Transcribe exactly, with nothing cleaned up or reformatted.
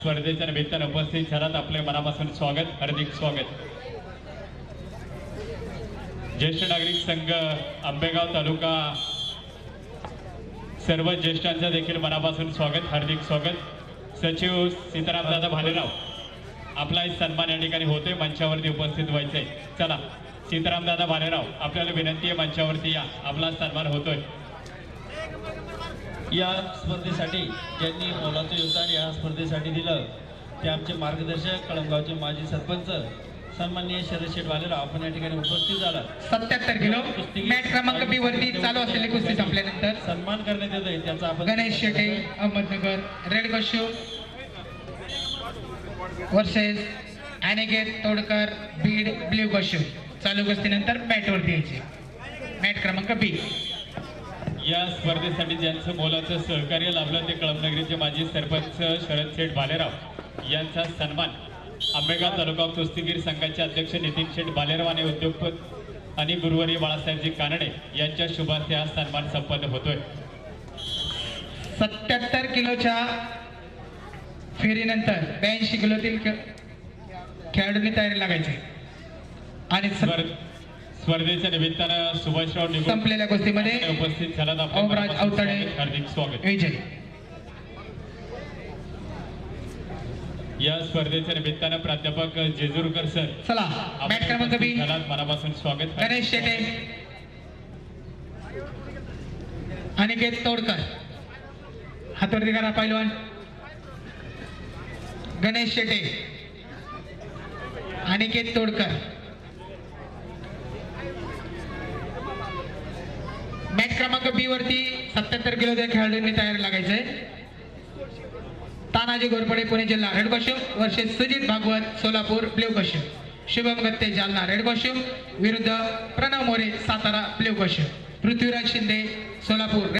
स्पर्धेच्या निमित्तानं उपस्थित झालात आपले मनापासून स्वागत, हार्दिक स्वागत। ज्येष्ठ नागरिक संघ आंबेगाव तालुका सर्व ज्येष्ठांचं देखील मनापासून स्वागत, हार्दिक स्वागत। सचिव सीतारामदादा भालेराव, आपला सन्मान या ठिकाणी होते, मंचावरती उपस्थित व्हायचे। चला सीतारामदादा भालेराव, आपल्याला विनंती आहे मंचावरती या, आपला सन्मान होतोय। या स्पर्धेसाठी ज्यांनी मोलाचं योगदान या स्पर्धेसाठी दिलं ते आमचे मार्गदर्शक कळमगावचे माजी सरपंच सन्माननीय शरद शेठ भालेराव, आपण या ठिकाणी उपस्थित झाला। सत्याहत्तर किलो मॅट क्रमांक बी वरती चालू असलेली कुस्ती संपल्यानंतर सन्मान करण्यात येत आहे त्याचा आपण Ganesh Shete Ahmednagar red costume versus Aniket Todkar Beed blue costume चालू कुस्तीनंतर मॅट वरती यायचे। मॅट क्रमांक बी या स्पर्धेसाठी ज्यांचं मोलाचं सहकार्य लाभलं ते कळमनगरीचे माजी सरपंच शरद शेठ भालेराव यांचा सन्मान आंबेगाव तालुका कुस्तीगीर संघाचे अध्यक्ष नितीन शेठ भालेराव आणि उद्योगपती आणि गुरुवर्य बाळासाहेबजी कानडे यांच्या शुभार्थे हा सन्मान संपन्न होतोय। सत्याहत्तर किलोच्या फेरीनंतर ब्याऐंशी किलोतील खेळाडूंनी तयारी लागायची आणि स्पर्धेच्या निमित्तानं सुभाषराव निगुण संपलेल्या कुस्तीमध्ये उपस्थित झालात ओमराज अवतडे हार्दिक स्वागत। विजय या स्पर्धेच्या निमित्तानं प्राध्यापक जेजुरकर सर, चला मॅट क्रमांक बी मनापासून स्वागत। गणेश शेटे अनिकेत तोडकर हातवरती करा पैलवान। गणेश शेटे अनिकेत तोडकर मॅच क्रमांक बी वरती सत्याहत्तर किलोच्या खेळाडूंनी तयारी लागायचंय। तानाजी घोरपडे पुणे जिल्हा red costume versus Sujit Bhagwat Solapur blue costume, Shubham Gatte Jalna red costume विरुद्ध प्रणव मोरे सातारा ब्ल्यू कॉस्ट्यूम, पृथ्वीराज शिंदे सोलापूर।